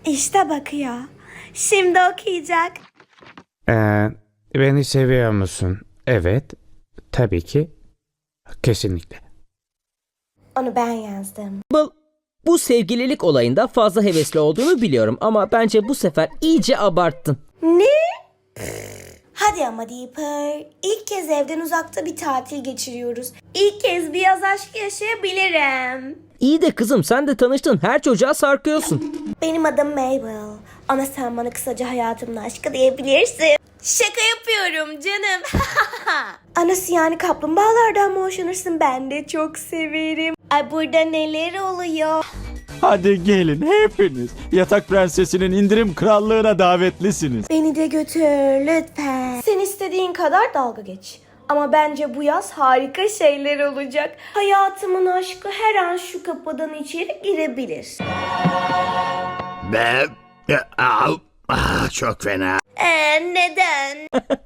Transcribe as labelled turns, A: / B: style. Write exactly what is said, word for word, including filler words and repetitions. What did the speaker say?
A: İşte bakıyor. Şimdi okuyacak.
B: Ee, beni seviyor musun? Evet. Tabii ki. Kesinlikle.
A: Onu ben yazdım.
C: Bu, bu sevgililik olayında fazla hevesli olduğunu biliyorum ama bence bu sefer iyice abarttın.
A: Ne? Hadi ama Deeper. İlk kez evden uzakta bir tatil geçiriyoruz. İlk kez bir yaz aşkı yaşayabilirim.
C: İyi de kızım sen de tanıştın her çocuğa sarkıyorsun.
A: Benim adım Mabel. Ama sen bana kısaca hayatımın aşkı diyebilirsin. Şaka yapıyorum canım. Anası yani kaplumbağalardan mı hoşlanırsın? Ben de çok severim. Ay burada neler oluyor?
D: Hadi gelin hepiniz. Yatak Prensesi'nin indirim krallığına davetlisiniz.
A: Beni de götür lütfen. Sen istediğin kadar dalga geç. Ama bence bu yaz harika şeyler olacak. Hayatımın aşkı her an şu kapıdan içeri girebilir.
E: Ben... Ah, çok fena.
A: Ee, neden?